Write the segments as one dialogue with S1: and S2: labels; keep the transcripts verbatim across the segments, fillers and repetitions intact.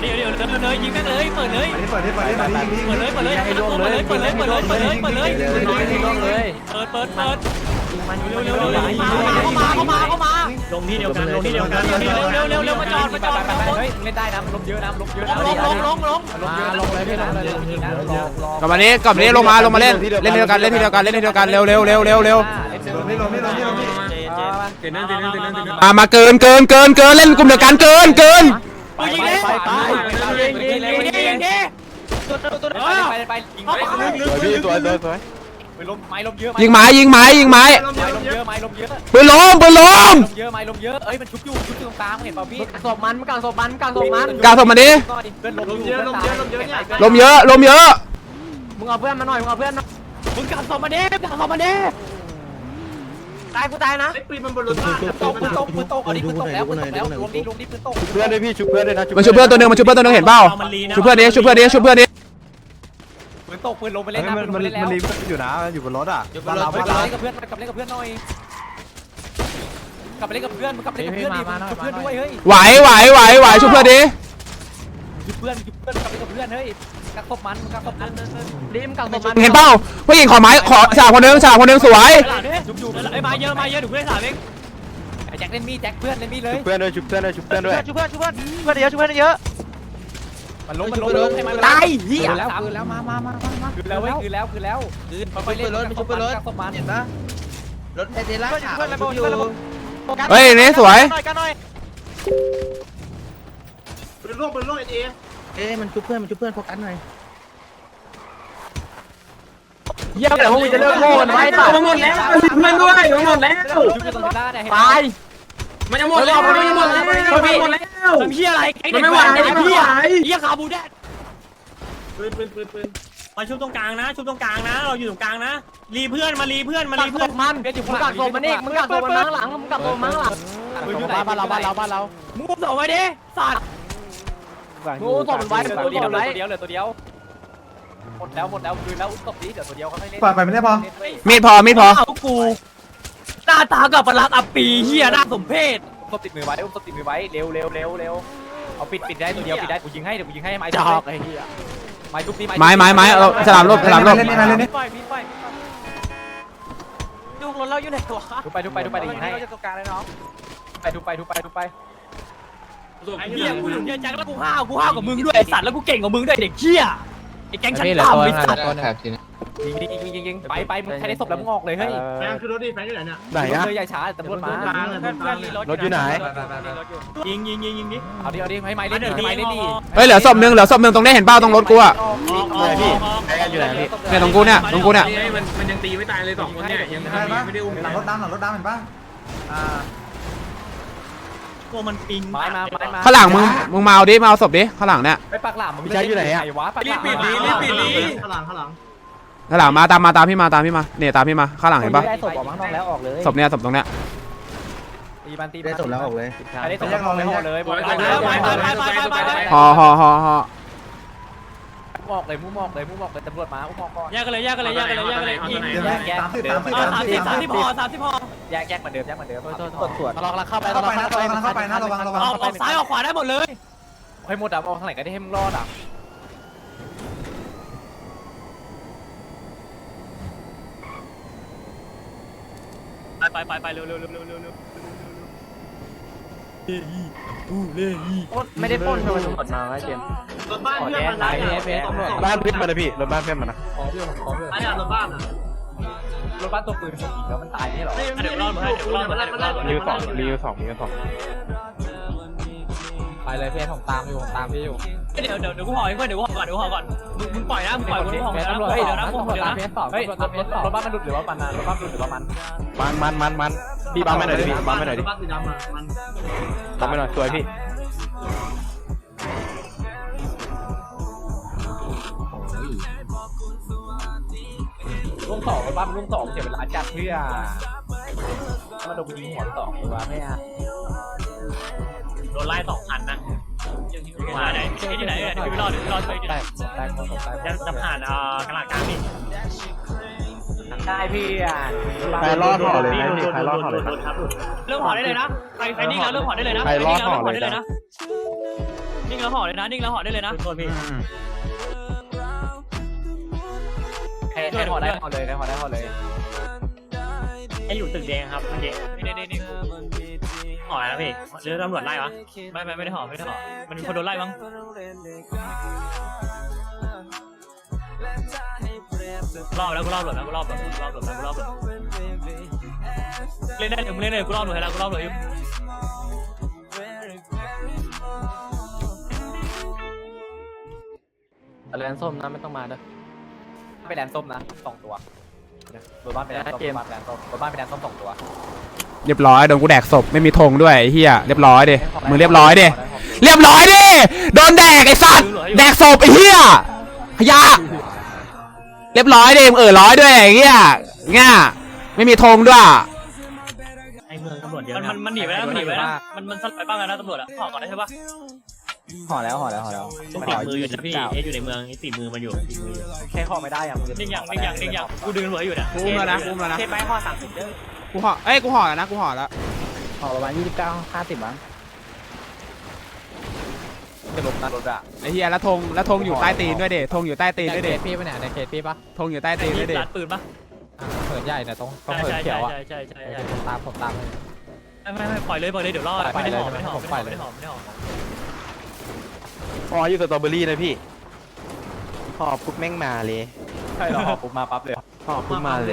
S1: ดี๋ยวเดี๋ยวเดี๋ยวเลยยิงแม่งเลยเปิดเลย
S2: เปิดเลยเปิดเลยเปิดเลย
S1: เปิดเลยเปิดเลยเปิดเลยเปิดเลยเปิดเลยเปิดเลยเปิดเลยเปิดเลยเปิดเลยเปิดเปิดเปิดเร็วเร็วเร็วเข้ามาเข้ามาเข้ามาลงที่เดียวกันลงที่เดียวกันเร็วเร็วเร็วเร็วมาจอดมาจอดเฮ้ยเล่นได้นะลงเยอะนะลงเยอะนะลงลงลงลงลงเลยพี่ลงเลย
S3: กลับมานี้กลับมานี้ลงมาลงมาเล่นเล่นที่เดียวกันเล่นที่เดียวกันเล่นที่เดียวกันเร็วเร็วเร็วเร็วเร็วมามาเกินเกินเกินเกินเล่นกลุ่มเดียวกันเกินเกิน
S1: ไปยิงเลยไปไปยิงยิงยิงยิงยิงตัวตัวตัวไปไปยิงไป
S4: พี่สวยสวยสวย
S1: ไปล้มไม้ล้มเยอะ
S3: ยิงไม้ยิงไม้ยิงไม้
S1: ไม้ล้มเยอะไม้ล้มเยอะ
S3: ปืนล้มปืนล้ม
S1: เยอะไม้ล้มเยอะเอ้ยมันชุบอยู่ชุบอยู่ตรงกลางเห็นป่าวพี่ศพมันกลางศพมันกลางศพมัน
S3: กลางศพมันดิ
S1: ล้มเยอะล้มเยอะล้มเยอะเนี่ย
S3: ล้มเยอะล้มเยอะ
S1: มึงเอาเพื่อนมาหน่อยมึงเอาเพื่อนมึงกลางศพมันดิกลางศพมันดิตายกูตายนะปืนมันบนรถตกปืนตกปืนตกเอาดิปืนตกแล้วปืนตกแล้วลงดิลงดิปืนตก
S4: เพื่อนด้วยพี่ชุบเพื่อนด้วยนะ
S3: มันชุบเพื่อนตัวนึงมันชุบเพื่อนตัวนึงเห็นเปล่าชุบเพื่อนดิชุบเพื่อนดิชุบเพื่อนดิ
S1: ปืนตกปืนลงไปเล่นนะปืนลงไปเล่นแล้ว
S2: มันรีบอยู่นะอยู่บนรถอ่ะ
S1: อยู่บนรถกลับเล่นกับเพื่อนกลับเล่นกับเพื่อนหน่อยกลับไปเล่นกับเพื่อนกลับไปเล่นกับเพื่อนดิชุบเพื่อนด้วยเฮ้ย
S3: ไหวไหวไหวไหวชุบเพื่อนดิ
S1: ชุบเพื่อนชุบเพื่อนกลับไปกับเพื่อนเฮ้ยกักศพมันกักศพมันดิมกักศพมัน
S3: เห็นเปล่าผู้หญิงขอไม้ขอสาวคนนึงสาวคนนึงสวย
S1: ชุบอยู่ไอ้มาเยอะมาเยอะถูกเพื่อนสาวเองไอ้แจ็คเล่นมีแจ็คเพื่อนเล่นมีเลย
S4: ชุบเพื่อนด้วยชุบเพื่อนด้วยชุบเพื่อนด้วย
S1: ชุบเพื่อนชุบเพื่อนเพื่อนเยอะชุบเพื่อนเยอะมันลงมันลงตายเหี้ยแล้วคือแล้วมามามามาคือแล้วเว้ยคือแล้วคือแล้วคือไปเล่นรถชุบเพื่อนรถกักศพมันเห็นปะรถไอเดล่าเพื่อนระเบิดเพื่อนระเบิด
S3: เฮ้ยนี่สวย
S1: กันหน่อย
S5: ปืนล่วงปืนล่วงไอเอ
S4: เอ๊ะมันชุบเพื่อนมันชุบเพื่อนโฟกัสหน่อย
S1: เยี่ยมแต่พวกมึงจะเลิกโง่กันไว้ต่อ
S5: มันหมดแล้วชุบเพื่อนด้วยมันหมดแล้ว
S1: ตาย
S5: มันจะหมดแล้วมันจะหมดแล้วมันจะหมดแล้ว
S1: ทำเหี้ยอะไรไอ้เด็ก
S5: ไม่ไหวไม่ไหว
S1: เหี้ยขาบูแดด
S5: ปืนปืนปืนปืน
S6: มาชุบตรงกลางนะชุบตรงกลางนะเราอยู่ตรงกลางนะรีเพื่อนมารีเพื่อนมารีเพื่อน
S1: มันมึงกักศพมันนี่มึงกักศพมันข้างหลังมึงกักศพมันข้างหลังบ้านเราบ้านเราบ้านเรามึงอุ้มศพไว้ดิสัตว์มึงอุ้มศพมันไว้ตัวเดียวตัวเดียวเหลือตัวเดียวหมดแล้วหมดแล้วคืนแล้วอุ้มศพนี้เดี๋ยวตัวเดียวเขาไม่เล่น
S2: ปล่อยไปไม่ได้พอ
S3: มีดพอมีดพอ
S1: เอากูหน้าตากับประหลาดอัปปีเฮียหน้าสมเพศศพติดมือไว้อุ้มศพติดมือไว้เร็วเร็วเร็วเร็วเอาปิดปิดได้ตัวเดียวปิดได้กูยิงให้เดี๋ยวกูยิงให้ไม้จอกไอ้เหี้ยไม้ทุบตี
S3: ไม้ไม้ไม้เอาสลามลบสลามลบ
S1: เล่นนี่เล่นนี่ไปไปดูรถเราอยู่ไหนวะทุบไปทุบไปทุบไปเดี๋ยวยิงให้เราจะตรงกลางเลยน้องไปทุบไปทุบไปทุบไปไอ้เหี้ยกูอยู่เนี่ยจังแล้วกูห้าวกูห้าวกับมึงด้วยไอ้สัตว์แล้วกูเก่งกว่ามึงด้วยเด็กเหี้ยไอ้แก๊งชั้นต่ำไอ้สัตว์ยิงยิงยิงยิงยิงไปไปมึงใครได้ศพแล้วมึงออกเลยเฮ้ย
S5: แฟนคือรถดิแฟนอยู่ไหนเนี่ย
S4: ไหนอะ
S1: เลยใหญ่ช้าตำรวจมาร
S4: ถอยู่ไหน
S6: ยิงยิงยิงยิงดิ
S1: เอาดิเอาดิให้ไม้เล่นดิให้ไม้เล่นดิ
S3: เฮ้ยเหลือศพนึงเหลือศพนึงตรงนี้เห็นเป้าตรงรถกูอะ
S4: พี่ใครกันอยู่ไหนพี่
S3: เนี่ยตรงกูเนี่ยตรงกูเนี่ย
S6: มันมันยังตีไม่ตายเลยสองคนเนี่ยยังไม่ได้อุ้ม
S2: หลังรถดำหลังรถดำเห็นปะอ่า
S6: ตัวมันปิง
S1: ไม้มาไม้มา
S3: ข้างหลังมึงมึงมาเอาดิมาเอาศพดิข้างหลังเนี่ย
S1: ไปปักหลังมึง
S4: ใช้อยู่ไหนอะ
S1: วะปักหลัง
S6: รีบปิดดิรีบปิดดิ
S5: ข้างหลังข้างหลัง
S3: ข้างหลังมาตามมาตามพี่มาตามพี่มาเนี่ยตามพี่มาข้างหลังเห็นปะ
S1: ได้ศพออกมาข้างนอกแล้วออกเลย
S3: ศพเนี่ยศพตรงเนี้ย
S1: ตีบันตี
S4: ได้ศพแล้วออกเลย
S1: ได้ศพแล้วออกเลยไปไปไปไปไป
S3: ห่อห่อห่อห่อ
S1: มอกเลยมุ้งมอกเลยมุ้งมอกเลยตำรวจมาอุ้มมอกก่อน
S6: แยกกันเลยแยกกันเลยแยกกันเลยแยกกันเลยยิง
S1: แยก
S2: สามสิบสามสิบ
S1: สามสิบสามสิบพอสามสิบพอแยกแยกเหมือนเดิมแยกเหมือนเดิมตรวจตรวจเราเข้าไป
S2: เข้าไปนะเข้าไปนะระวังระวัง
S1: ออกซ้ายออกขวาได้หมดเลยให้หมดอ่ะออกทางไหนก็ได้ให้มึงรอดอ่ะไปไปไปเร็วเร็วเร็วเร็วเร็วเร็วเฮ้ยอู้เล่ยไม่ได้ปล้นทำไมตำรวจมาไว้เจม
S5: รถบ้านเพื่อนมันนะ
S4: บ้านเพื่อนมันนะพี่รถบ้านเพื่อนมันนะ
S5: ขอเพื่อนขอเพื่อนไอ้รถบ้านอ่ะ
S1: รถบ้านตัวปืนยิงแล้วมันตายนี่หรอ
S6: เดี๋ยวรอดเดี๋ยวรอดเดี๋ยวรอด
S4: รีวิวสองรีวิวสองรีวิวสอง
S1: ไปเลยเพื่อนผมตามอยู่ผมตามพี่อยู่
S6: เดี๋ยวเดี๋ยวเดี๋ยวกูห่อให้เพื่อนเดี๋ยวกูห่อก่อนเดี๋ยวกูห่อก่อนมึงมึงปล่อยนะมึงปล่อยกูห่อนะเฮ้ยเดี๋ยวนะกูห่อเดี๋ยวนะ
S1: เฮ้ยรถบ้านมันดุหรือว่ามันรถบ้านดุหรือว่ามัน
S4: มันมันมันมันพี่บังไม่หน่อยดิพี่บังไม่หน่อยดิ
S5: บ้านสีดำอ่ะมัน
S4: บังไม่หน่อยสวยพี่
S1: ลุงสองรถบ้านลุงสองเสียเวลาจัดเพื่อมาโดนยิงหัวสองหรือว่าไม่อ่ะ
S6: โดนไล่สองพันนะมาไหนที่ไหนเดี๋ยวพี่รอดเดี๋ยวพี่รอดช่วยดิ
S1: ได้ได้ได้
S6: จะผ่านอ่ากลางกลางนี่
S1: ได้พี่อ่ะ
S4: ใครรอดห่อเลยนะพี่ใครรอดห่อเลยนะ
S6: เริ่มห่อได้เลยนะใครใครนิ่งแล้วเริ่มห่อได้เลยนะ
S4: ใครรอดห่อเลยนะ
S1: นิ่งแล้วห่อเลยนะนิ่งแล้วห่อได้เลยนะ
S6: โทษพี่
S1: ใครใครห่อได้ห่อเลยใครห่อได้ห่อเลย
S6: ไอ้อยู่ตึกแดงครับเมื่อกี้นี่นี่นี่ห่ออะไรนะพี่หรือตำรวจไล่วะไม่ไม่ไม่ได้ห่อไม่ได้ห่อมันคนโดนไล่มั้งรอบแล้วกูรอบหลุดแล้วกูรอบหลุดกูรอบหลุดแล้วกูรอบหลุดเล่นได้ถึงเล่นเลยกูรอบหลุดแล้วกูรอบหลุดอยู่
S1: แลนส้มนะไม่ต้องมาเด้อไปแลนส้มนะสองตัวรถบ้านไปแลนส้มรถบ้านไปแลนส้มรถบ้านไปแลนส้มสองตัว
S3: เรียบร้อยโดนกูแดกศพไม่มีธงด้วยไอ้เฮียเรียบร้อยดิมึงเรียบร้อยดิเรียบร้อยดิโดนแดกไอ้สัตว์แดกศพไอ้เฮียขยะเรียบร้อยดิมึงเออร้อยด้วยไอ้เฮียเงี้ยไม่มีธงด้วย
S6: ไอ้เมืองตำรวจเยอะมันมันหนีไปแล้วมันหนีไปแล้วมันมันสลับไปบ้างแล้วนะตำรวจอะห่อก่อนได้ใช่ปะ
S1: ห่อแล้วห่อแล้วห่อแล้ว
S6: ต้องติดมืออยู่นะพี่เออยู่ในเมืองติดมือมันอยู่ติดมืออยู่
S1: แค่ห่อไม่ได้อะ
S6: นิ่งยังนิ่งยังนิ่งยังกูดึงหัวอยู่เนี่ย
S3: กูอุ้มแล้วนะกูอุ้มแล้วนะ
S1: เทปไปห่อสามสิบเด้อ
S3: กูห่อเอ้ยกูห่อแล้วนะกูห่อแล้ว
S1: ห่อประมาณยี่สิบเก้าห้าสิบมั้งจะลบนะรถอะ
S3: ไอ้เฮียแล้วธงแล้วธงอยู่ใต้ตีนด้วยเด็ธงอยู่ใต้ตีนด้วยเด็
S1: พี่ปะเนี่ยในเคสพี่ปะ
S3: ธงอยู่ใต้ตีนด้วยเด็
S6: ร้านปืนปะ
S1: เผินใหญ่เนี่ยต้องต้อง
S6: ใช่
S1: เผิน
S6: ใช่
S1: เขียวอะ
S6: ใช่ใช่ใช่ใช่
S1: ผมตามผมตามเลย
S6: ไม่ไม่ไม่ปล่อยเลยปล่อยเลยเดี๋ยวรอดไม่ได้ห่อไม่ได้ห่อไม่ได้ห่อไม่ได้ห่อ
S4: อ๋ออยู่สตรอเบอรี่นะพี่หอบปุ๊บแม่งมาเลย
S1: ใช่หรอห่อปุ๊บมาปั๊บเลย
S4: หอบปุ๊บมาเลย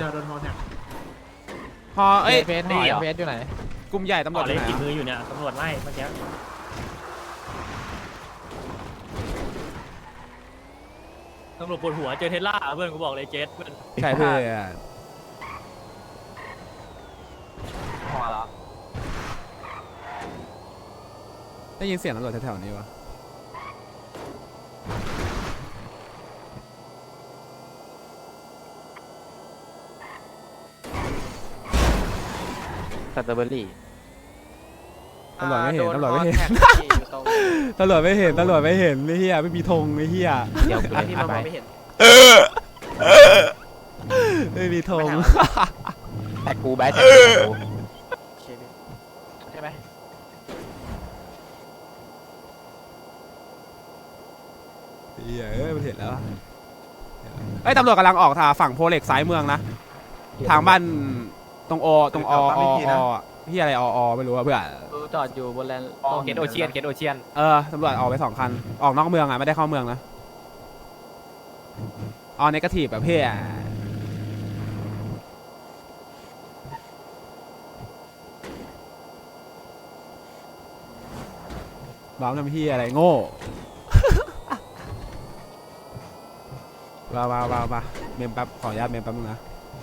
S3: ห่อเอ้ย
S1: เฟสห่อเฟสอยู่ไหน
S3: กลุ่มใหญ่ตำร
S6: ห่
S3: ว
S6: อ
S3: จอ
S6: เลย
S3: ยู่ไหน
S6: ติดมื
S3: อะ
S6: ออยู่เนี่ยตำรวจไล่เมื่อกี้ ตำรวจปวดหัวเจอเทสลาเพื่อนกูบอกเลยเจสเพื่อน
S3: ใช่เพื่อน
S1: ห่อแล้ว
S3: ได้ยินเสียงตำรวจแถวๆนี้วะ
S4: สตรอเบอรี่
S3: ตำรวจไม่เห็นตำรวจไม่เห็นตำรวจไม่เห็นตำรวจไม่เห็นไอ้เหี้ยไม่มีธงไอ้เหี้ย
S4: เดี๋ยวกูเล่น
S1: พี่
S4: พา
S1: มา
S4: ไป
S1: ไม่เห็น
S3: ไม่มีธง
S4: แต่กูแบทแต่กู
S1: ใช่ไหม
S3: เหี้ยเอ้ยมันเห็นแล้วอะเอ้ยตำรวจกำลังออกทางฝั่งโพเหล็กซ้ายเมืองนะทางบ้านตรงโอตรงออออที่อะไรอออไม่รู้อะเพื่อน
S1: จอดอยู่บนแลนด์เกตโอเชียนเกตโอเชียน
S3: เออตำรวจออกไปสองคันออกนอกเมืองอะไม่ได้เข้าเมืองนะออเนกาทีฟแบบเพื่อบ้าทำพี่อะไรโง่ มามามามาเมมแป๊บขออนุญาตเมมแป๊บนึงนะ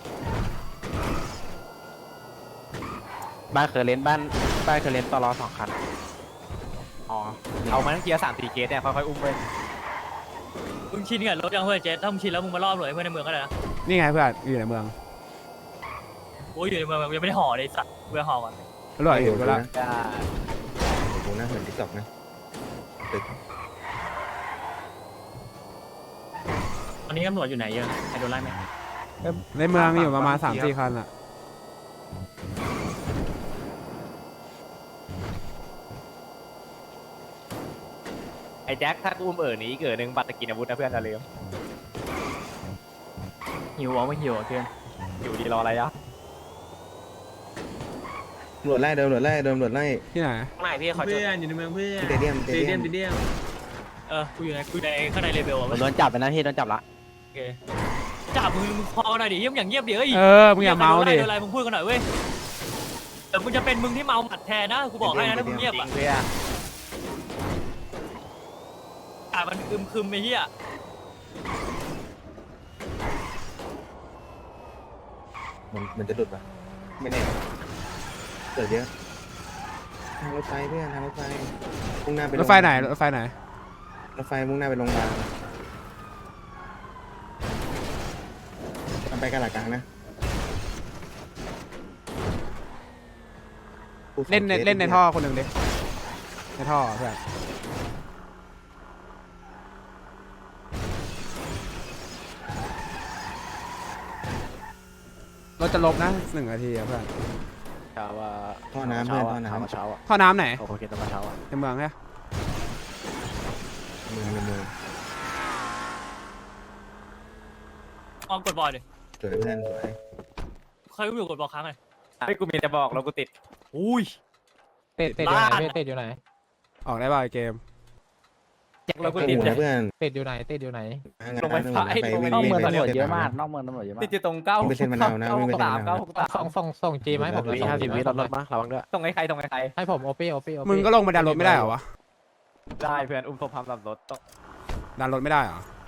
S4: บ้านเคยเล่นบ้านบ้านเคยเล่นตลอสองคันอ๋อ
S1: เอามาทั้งเกียร์สามสี่เกตเนี่ยค่อยๆอุ้มไป
S6: มึงชินกับรถยังเพื่อนเจสถ้ามึงชินแล้วมึงมารอบหน่วยเพื่อนในเมืองก็ได้นะ
S3: นี่ไงเพื่อนอยู่ในเมือง
S6: โอ้ยอยู่ในเมืองยังไม่ได้ห่อเลยสัตว์เพื่อห่อก่อน
S3: ตำรวจอยู่แล้ว
S2: ผมน่าเหมือนติ๊กต็อกนะ
S6: ตอนนี้ตำรวจอยู่ไหนเยอะใครโดนไล่ไหม
S3: ในเมืองมีอยู่ประมาณสามสี่คันอะ
S1: ไอ้แจ็คถ้ากูอุ้มเอ๋อนี้เกิดหนึ่งบัตรตะกินอาวุธนะเพื่อนอย่าลืมหิวอ่ะไม่หิวอ่ะเพื่อนอยู่ดีรออะไรอ่ะ
S2: ตำรวจไล่ตำรวจไล่ตำรวจไล่
S3: ที่ไหน
S1: ไม่พี่ขอ
S5: เพื่อนอยู่ในเมืองเพื่อน
S2: สเตเดียมส
S5: ส
S2: เต
S5: เต
S2: เดี
S5: เดี
S2: ย
S5: ย
S2: ม
S5: มสเตเดียม
S6: เออกูอยู่ในกูในข้างในเลเวลอ่ะ
S4: ผมโดนจับไปนะพี่โดนจับละ
S6: โอเคจับมึงมึงพอหน่อยดิเยี่ยมอย่างเงียบดิเอ้ย
S3: เออมึงอย่าเมาดิ
S6: โดนอะไรมึงพูดกันหน่อยเว้ยแต่มึงจะเป็นมึงที่เมาหมัดแทนนะกูบอกให้นะถ้ามึงเงียบ
S1: จริ
S6: อ่ะ
S1: งเพื่อน
S6: อ่ะมันคึมคึมไอ้เหี้ย
S2: มันมันจะดุดปะไม่แน่เกิดเยอะทางรถไฟเพื่อนทางรถไฟมุ่งหน้าไป
S3: รถไฟไหนรถไฟไหน
S2: รถไฟมุ่งหน้าไปโรงพยาบาลมันไปกันหลักกลางนะ
S3: เล่นในเล่นในท่อคนหนึ่งดิในท่อเพื่อนรถจะลบนะหนึ่งนาทีอะเพื่อน
S1: ถามว่า
S2: ท่อน้ำเพื่อนท่อน้ำ
S1: เช้าอ่ะ
S3: ท่อน้ำไหน
S1: โอเคตอนเช้าอ่ะ
S3: ในเมืองเนี่ย
S6: ออกกดบอลดิ
S2: สวยเพื่อนสวย
S6: ใครก็อยู่กดบอลค้างเลย
S1: ให้กูมีแต่บอกแล้วกูติด
S6: อุ้ย
S4: ติดติดอยู่ไหนติดอยู่ไหน
S3: ออกได้ป่ะไอ้เกม
S1: แจ็คแล้วกู
S2: ห
S1: ติด
S2: มูนะเพื่อน
S4: ติดอยู่ไหนติดอยู่ไหน
S1: ลงไปฟ้าไอ้ลงไป
S2: นอกเมืองตำรวจเยอะมาก
S5: นอกเมืองตำรวจเยอะมาก
S1: ติดอยู่ตรงเก้า
S2: ไม่เซ็นมะนาวนะ
S1: เก้า
S2: ไม่
S1: ห
S2: เป็น
S1: กสาม
S2: มะนาว
S1: เก้าหกสาม
S4: ส่งส่งส่งจีไหมผม
S5: ห้าสิบวิรถรถมาระวังด้วย
S1: ตรงไอ้ใครตรงไอ้ใคร
S4: ให้ผมโอปี้โอปี้โอปี้
S3: มึงก็ลงไปดันรถไม่ได้เหรอวะ
S1: ได้เพื่อนอุ้มศพพามหลับรถต้อง
S3: ดันรถไม่ได้เหรอ